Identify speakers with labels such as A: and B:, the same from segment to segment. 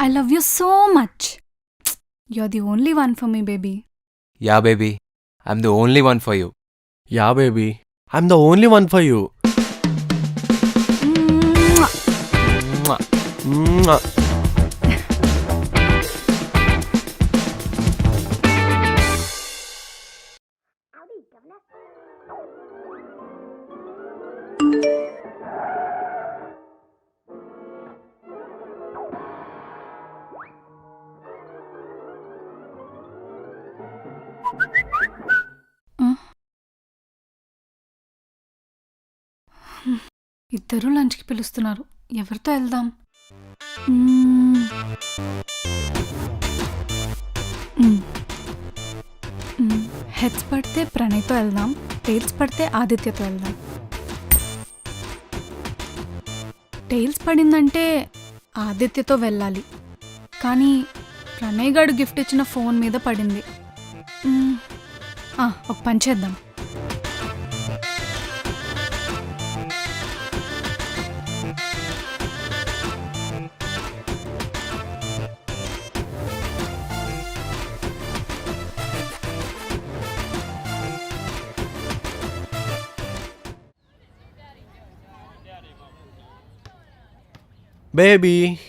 A: I love you so much. You're the only one for me, baby.
B: Yeah, baby. I'm the only one for you.
C: Yeah, baby. I'm the only one for you.
A: Mwah.
B: Mwah.
C: Mwah.
A: ఇద్దరూ లంచ్కి పిలుస్తున్నారు. ఎవరితో వెళ్దాం? Heads పడితే ప్రణయ్తో వెళ్దాం, tiles పడితే ఆదిత్యతో వెళ్దాం. Tiles పడిందంటే ఆదిత్యతో వెళ్ళాలి, కానీ ప్రణయ్ గారు గిఫ్ట్ ఇచ్చిన ఫోన్ మీద పడింది. ఒక పని చేద్దాం.
C: బేబీ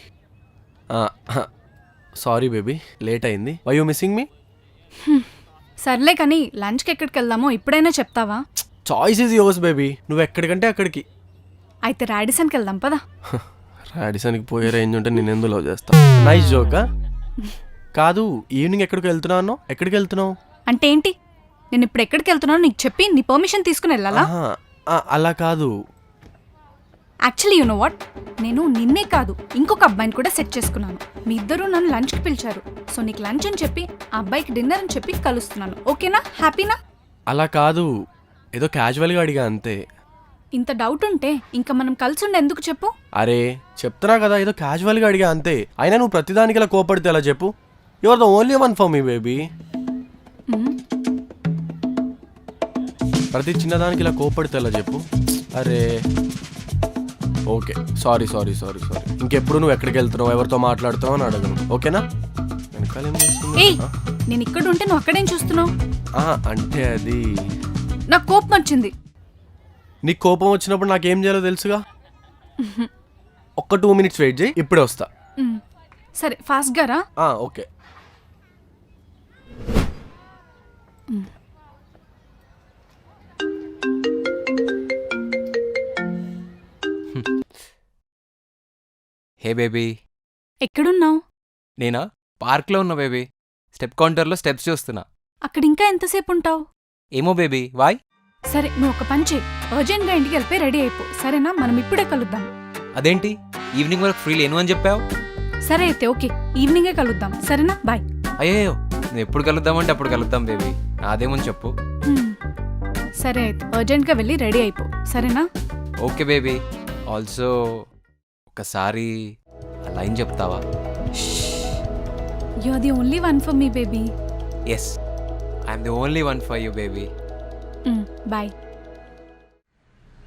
C: సారీ బేబీ, లేట్ అయింది. Why you missing me?
A: సర్లే కానీ లంచ్కి ఎక్కడికి వెళ్దామో ఇప్పుడైనా చెప్తావా?
C: చాయిస్ ఈజ్ యువర్స్ బేబీ, నువ్వు ఎక్కడికంటే అక్కడికి.
A: అయితే రాడిసన్కి వెళ్దాం పదా.
C: రాడిసన్కి పోయే రేంజ్ ఉంటే నేను ఎందుకు లవ్ చేస్తా. నైస్ జోకా. కాదు, ఈవినింగ్ ఎక్కడికి వెళ్తున్నావు? ఎక్కడికి వెళ్తున్నావు
A: అంటే ఏంటి? నేను ఇప్పుడు ఎక్కడికి వెళ్తున్నానో నీకు చెప్పి నీ పర్మిషన్ తీసుకుని వెళ్ళాలా?
C: అలా కాదు.
A: యాక్చువల్లీ యూ నో వాట్, నేను నిన్నే కాదు ఇంకొక అబ్బాయిని కూడా సెట్ చేసుకున్నాను. మీ ఇద్దరూ నన్ను లంచ్కి పిలిచారు, సో నీకు లంచ్ అని చెప్పి ఆ అబ్బాయికి డిన్నర్ అని చెప్పి కలుస్తున్నాను. ఓకేనా? హ్యాపీనా?
C: అలా కాదు, ఏదో క్యాజువల్గా అడిగా అంతే.
A: ఇంత డౌట్ ఉంటే ఇంకా మనం కలిసి ఉండే ఎందుకు చెప్పు?
C: అరే చెప్తున్నా కదా, ఏదో క్యాజువల్గా అడిగా అంతే. అయినా నువ్వు ప్రతిదానికి ఇలా కోపడితే ఎలా చెప్పు? You are the only one for me baby. ప్రతి చిన్నదానికి ఇలా కోపడితే ఎలా చెప్పు? అరే ఓకే, సారీ. ఇంకెప్పుడు నువ్వు ఎక్కడికి వెళ్తున్నావు, ఎవరితో మాట్లాడుతున్నావు అని అడగను, ఓకేనా?
A: నేను ఇక్కడ ఉంటే నువ్వు అక్కడేం చూస్తున్నావు?
C: అంటే అది
A: నాకు కోపం వచ్చింది.
C: నీకు కోపం వచ్చినప్పుడు నాకేం చేయాలో తెలుసుగా. ఒక్క 2 minutes వెయిట్ చేయి, ఇప్పుడే వస్తా.
A: సరే ఫాస్ట్గా రా.
C: ఓకే.
B: Hey baby.
A: ఎక్కడున్నావు?
B: నేనా? పార్క్లో ఉన్నా బేబీ. స్టెప్ కౌంటర్లో స్టెప్స్ చూస్తున్నా.
A: అక్కడ ఇంకా ఎంతసేపు ఉంటావు?
B: ఏమో బేబీ, వాయ్?
A: సరే నువ్వు ఒక పని చేయి, అర్జెంట్గా ఇంటికి వెళ్ళిపోయి రెడీ అయిపో, సరేనా? మనం ఇప్పుడే కలుద్దాం.
B: అదేంటి ఈవినింగ్ వరకు ఫ్రీ లేను అని చెప్పావు?
A: సరే అయితే ఓకే, ఈవినింగే కలుద్దాం, సరేనా? బాయ్.
B: అయ్యో, నువ్వు ఎప్పుడు కలుద్దామంటే అప్పుడు కలుద్దాం బేబీ, నాదేమని చెప్పు.
A: సరే అయితే అర్జెంట్గా వెళ్ళి రెడీ అయిపో, సరేనా?
B: Okay baby. ఆల్సో ఒకసారి ఆ లైన్ చెప్తావా?
A: You are the only one for me baby.
B: Yes, I'm the only one for you baby.
A: Bye.